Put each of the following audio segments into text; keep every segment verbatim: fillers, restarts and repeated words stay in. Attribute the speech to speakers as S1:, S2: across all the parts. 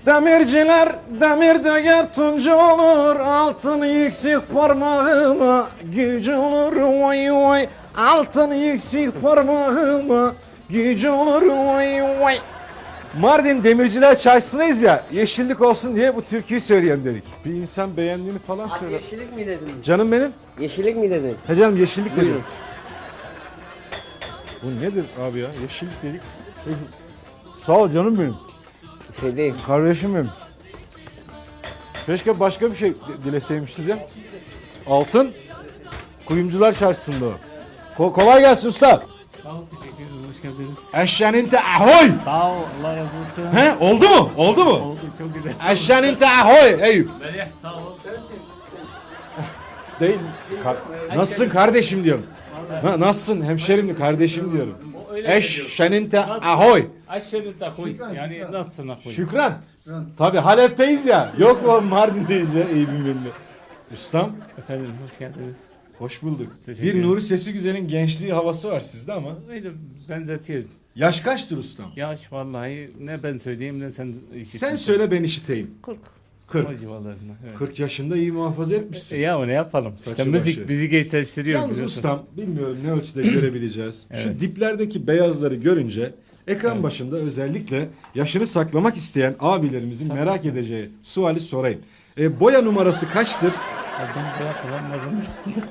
S1: Demirciler demir döger tuncu olur, altın yüksek parmağıma gücü olur vay vay. Altın yüksek parmağıma gücü olur vay vay. Mardin Demirciler Çarşısı'ndayız ya, yeşillik olsun diye bu türküyü söyleyelim dedik. Bir insan beğendiğini falan
S2: Abi
S1: söyle.
S2: yeşillik mi dedin?
S1: Canım benim.
S2: Yeşillik mi dedin?
S1: He canım, yeşillik dedim.
S2: Buyurun.
S1: Bu nedir abi ya? Yeşillik dedik. Sağ ol canım benim.
S2: Şey değil.
S1: Kardeşim benim. Keşke başka bir şey dileseymişiz ya. Altın Kuyumcular Çarşısı'nda o. Ko- kolay gelsin usta.
S3: Sağ ol, teşekkür ederim. Hoş geldiniz.
S1: Eşyanın te ahoy.
S3: Sağ ol, Allah razı olsun.
S1: He, oldu mu? Oldu mu?
S3: Oldu, çok güzel.
S1: Eşyanın te ahoy. Eyüp.
S3: Melih, sağ ol.
S1: Değil. Ka- nasılsın kardeşim diyorum. Na- nasılsın hemşerim kardeşim diyorum.
S3: O öyle diyor.
S1: Eşyanın te ahoy.
S3: Aşağıda da koy. Yani nasılsın koy?
S1: Şükran. Tabii Halep'teyiz ya. Yok mu Mardin'deyiz ya Eyüp'ün benimle. Ustam.
S3: Efendim, hoş geldiniz.
S1: Hoş bulduk.
S3: Teşekkür
S1: Bir
S3: ederim.
S1: Nuri Sesi Güzel'in gençliği havası var sizde ama.
S3: Öyle benzetiyor.
S1: Yaş kaçtır ustam?
S3: Yaş vallahi ne ben söyleyeyim ne sen işitin.
S1: Sen söyle ben işiteyim.
S3: kırk.
S1: kırk.
S3: O civarlarında. Evet.
S1: kırk yaşında iyi muhafaza
S3: E,
S1: etmişsin.
S3: ya o ne yapalım?
S1: Saçı
S3: İşte müzik
S1: başı.
S3: bizi gençleştiriyor.
S1: Yalnız
S3: biliyorsun.
S1: ustam bilmiyorum ne ölçüde görebileceğiz. Şu
S3: Evet.
S1: diplerdeki beyazları görünce ekran
S3: Evet.
S1: başında özellikle yaşını saklamak isteyen abilerimizin merak edeceği suali sorayım. E, boya numarası kaçtır?
S3: Adam bırak kullanmadım.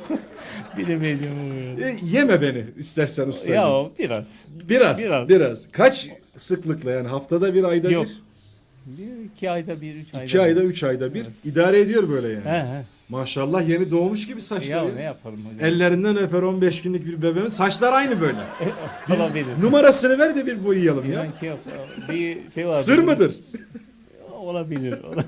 S3: Bilemedim.
S1: E, yeme beni istersen ustacığım.
S3: Ya o biraz.
S1: biraz, biraz.
S3: biraz.
S1: Kaç sıklıkla yani haftada bir ayda
S3: Yok.
S1: bir?
S3: Bir, iki ayda bir, üç ayda
S1: İki
S3: bir.
S1: ayda, üç ayda bir idare ediyor böyle yani.
S3: He he.
S1: Maşallah yeni doğmuş gibi saçları.
S3: Ya ne yapalım hocam?
S1: Ellerinden öper on beş günlük bir bebeğin. Saçlar aynı böyle. Biz
S3: Olabilir.
S1: numarasını ver de bir boyayalım ya.
S3: İnan ki yok. Bir şey var.
S1: Sır mıdır?
S3: Olabilir. Ola-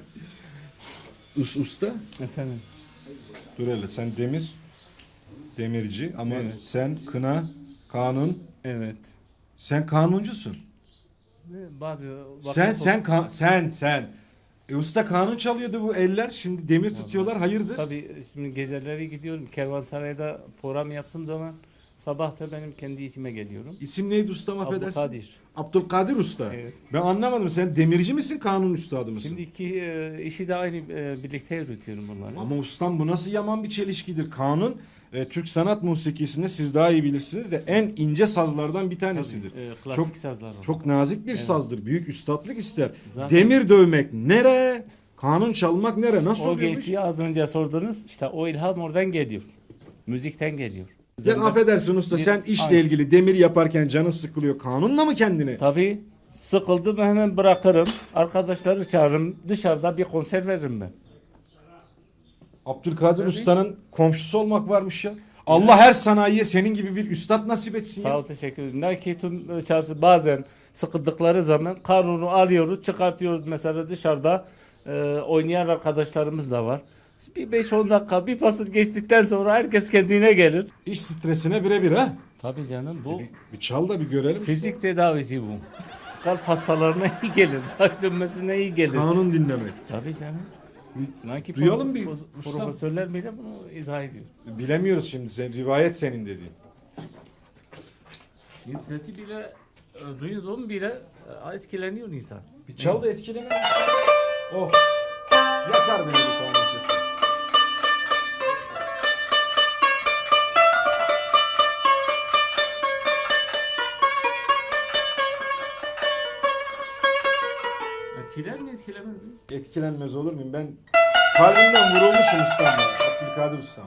S1: Us, usta.
S3: Efendim.
S1: Dur hele sen demir. Demirci ama
S3: Evet.
S1: sen kına, kanun.
S3: Evet.
S1: Sen kanuncusun.
S3: Ve Bazı
S1: Sen
S3: vakit-
S1: sen ka- sen sen. E, usta kanun çalıyordu bu eller. Şimdi demir tutuyorlar. Hayırdır?
S3: Tabii şimdi geceleri gidiyorum. Kervansaray'da program yaptığım zaman sabah da benim kendi işime geliyorum.
S1: İsim neydi ustam affedersin?
S3: Abdülkadir.
S1: Abdülkadir Usta.
S3: Evet.
S1: Ben anlamadım. Sen demirci misin, kanun üstadı mısın?
S3: Şimdi iki e, işi de aynı e, birlikte yürütüyorum bunları.
S1: Ama ustam bu nasıl yaman bir çelişkidir. Kanun e, Türk sanat musikisinde siz daha iyi bilirsiniz de en ince sazlardan bir tanesidir.
S3: Tabii, e, klasik
S1: çok
S3: sazlar var.
S1: çok nazik bir sazdır. Büyük üstatlık ister.
S3: Zaten-
S1: Demir dövmek nere? Kanun çalmak nere? Nasıl
S3: O
S1: oluyormuş?
S3: gençliği az önce sordunuz. İşte o ilham oradan geliyor. Müzikten geliyor.
S1: Sen
S3: Üzerinde-
S1: affedersin usta
S3: Bir-
S1: sen işle
S3: Aynen.
S1: ilgili demir yaparken canın sıkılıyor. Kanunla mı kendini?
S3: Tabii sıkıldım hemen bırakırım. Arkadaşları çağırırım. Dışarıda bir konser veririm ben.
S1: Abdülkadir Usta'nın komşusu olmak varmış ya. Allah her sanayiye senin gibi bir üstad nasip etsin
S3: Sağ
S1: ya.
S3: ol, teşekkür ederim. Lakin tüm çarşı bazen sıkıldıkları zaman kanunu alıyoruz, çıkartıyoruz mesela dışarıda e, oynayan arkadaşlarımız da var. Bir beş on dakika bir pasır geçtikten sonra herkes kendine gelir.
S1: İş stresine birebir ha.
S3: Tabii canım bu
S1: Bir, bir çal da bir görelim.
S3: fizik tedavisi bu. Kalp hastalarına iyi gelir, baş dönmesine iyi gelir.
S1: Kanun dinlemek.
S3: Tabii canım. Nakip
S1: Duyalım bir
S3: pro-
S1: ustam.
S3: profesörler bile bunu izah ediyor.
S1: Bilemiyoruz şimdi sen rivayet senin dediğin.
S3: Bir sesi bile e, duyduğum bile e, etkileniyor insan.
S1: Bir çal da etkilenelim. Oh. Yakar beni bu kanun sesi.
S3: Etkiler mi etkilemez mi?
S1: Etkilenmez olur muyum? Ben kalbimden vurulmuşum ustam ya. Abdülkadir ustam.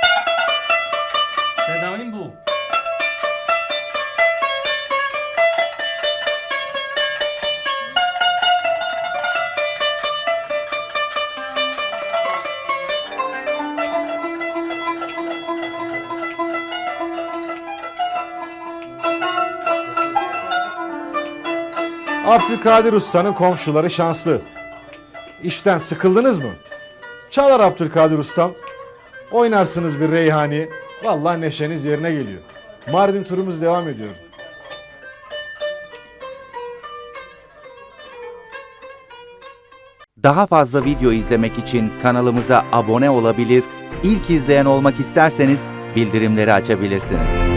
S3: Tedavim bu.
S1: Abdülkadir Usta'nın komşuları şanslı. İşten sıkıldınız mı? Çalar Abdülkadir Ustam. Oynarsınız bir reyhani. Vallahi neşeniz yerine geliyor. Mardin turumuz devam ediyor.
S4: Daha fazla video izlemek için kanalımıza abone olabilir, ilk izleyen olmak isterseniz bildirimleri açabilirsiniz.